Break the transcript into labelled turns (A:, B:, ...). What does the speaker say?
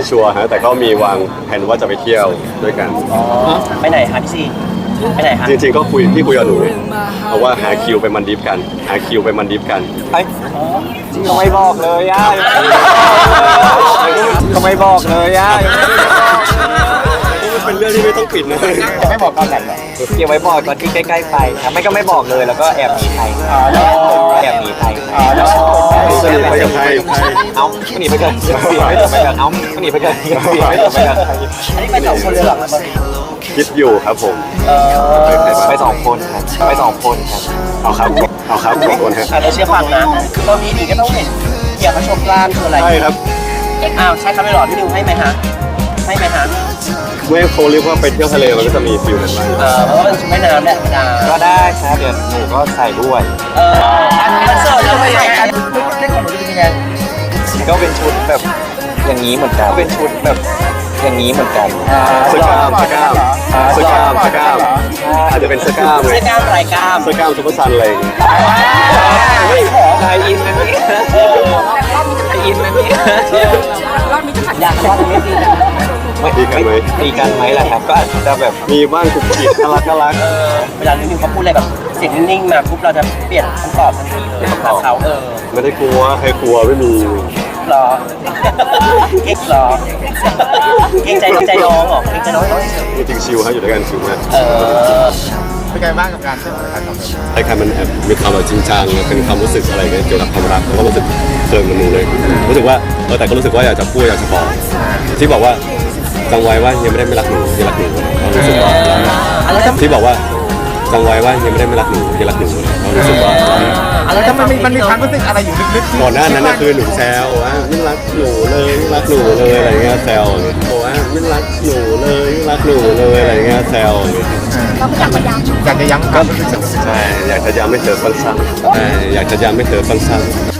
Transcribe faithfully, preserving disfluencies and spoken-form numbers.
A: ไม่ชัวร์ฮะแต่ก็มีวางแผนว่าจะไปเที่ยวด้วยกัน
B: อ๋อไปไหนคะพี่ซีไปไหนคะ
A: จริงๆก็คุยที่คุยกับหนูเพราะว่าหาคิวไปมันดิฟกันหาคิวไปมันดิฟกัน
C: ไอ้ก็ไม่บอกเลยอ่ะก็ไม่บอกเลยอ่ะ
A: เป็นเรื่องที่ไม่ต้องปิดนะ
C: ไม่บอกตอนไหนหรอเก็บไว้บอกตอนที่ใกล้ๆไปครับไม่ก็ไม่บอกเลยแล้วก็แอบหนีใครแอบหนีใคร
A: สนิทไปกับใคร
C: เอ้าหนีไปกันเสียไม่จบไปกันเอ้าหนีไปกันเสียไม่จบไปกัน
B: อันนี้ไปสองคนเลยเหรอครับ
A: คิดอยู่ครับผม
B: เออ
C: ไปสองคนครับไปสองคนครับ
A: เอาครับเอาครับขอบคุณฮะ
B: อ่ะเราเชื่อฟังนะตอนนี้ดีก็ต้องเห็นเกี่ยวกับโชว์กล้ามคืออะไร
A: ใช่ครับ
B: อ้าวใช่ครับไม่หรอพี่นิวให้ไหมฮะให้ไหมฮะ
A: เมื่อเขาเรียกว่าไปเที่ยวทะเลมันก็จะมีฟิลนั้นบ้าง
B: เออเพราะว่ามันชุดว่ายน้ำแหละธรรมดา
C: ก็ได้ครับเดี๋ยวหนูก็ใส่ด้วย
B: เอออันนี้มันเสิร์ฟแล้วไม่ใช่อันนี้เล่นของหนูจะเป็นยังไง
C: ก็เป็นชุดแบบอย่างนี้เหมือนกันเป็นชุดแบบอย่างนี้เหมือนกัน
A: เสื้อกล้ามเสื้อกล้ามเสื้อกล้ามเสื้อกล้ามอาจจะเป็นเสื้อกล้ามเล
B: เสื้
A: ย
B: อกล้ามลายกล้าม
A: เสื้อกล้ามซุปเปอร์ซันอะไรอย่างเงี้ย
B: ไม่ขอ
C: ไทยอินนะนี่ไทยอินนะนี่
B: อยากรอดไม่ดีนะ
A: ดีกันไหม
C: ตีกันไหมล่ะครับก็อาจจะแบบ
A: มีบ้างกุกกิกน่ารักน่ารัก
B: เออเวลาพี่นิวเขาพูดอะไรแบบเสียงนิ่งๆมาปุ๊บเราจะเปลี่ยนคำตอบทันทีเลยกับเขาเออ
A: ไม่ได้กลัวใครกลัวไม่มี
B: หรอเก๊กหรอเก๊กใจใจน้องเหรอเก๊กใจน้องเฉย
A: จริงๆชิลฮะอยู่ด้วยกันชิลมาก
B: เออ
D: เป็นไงบ้างกับการเที่ยวถ่ายทำแบบ
A: ไอ้ใครมันแอบมีความแบบจริงจังเป็นความรู้สึกอะไรเงี้ยเกี่ยวกับความรักแล้วก็รู้สึกเคิร์มกับหนูเลยรู้สึกว่าเออแต่ก็รู้สึกว่าอยากจะพูดอยากจะบอกที่บอกว่าจำไว้ว่ายังไม่ได้ไม่รักหนูยังรักหนูเรารู้สึกว่า
B: อะไรทำ
A: ที่บอกว่าจำไว้ว่ายังไม่ได้ไม่รักหนูยังรักหนูเรารู้สึกว่า
B: อะไร
D: แล้ว
B: ทำ
D: มันมีมันมีความรู้สึกอะไรอยู่ลึกๆ
A: ก่อนหน้านั้นน่ะคือหนูแซวว่าไม่รักหนูเลยไม่รักหนูเลยอะไรเงี้ยแซวอย่างเงี้ยบอกว่าไม่รักหนูเลยไม่รักหนูเลยอะไรเงี้ยแซวอย่างเงี้ย
D: อยากจะย้ำความรู้สึก
A: ใช่อยากจะย้ำให้เธอฟังซ้ำใช่อยากจะย้ำให้เธอฟังซ้ำ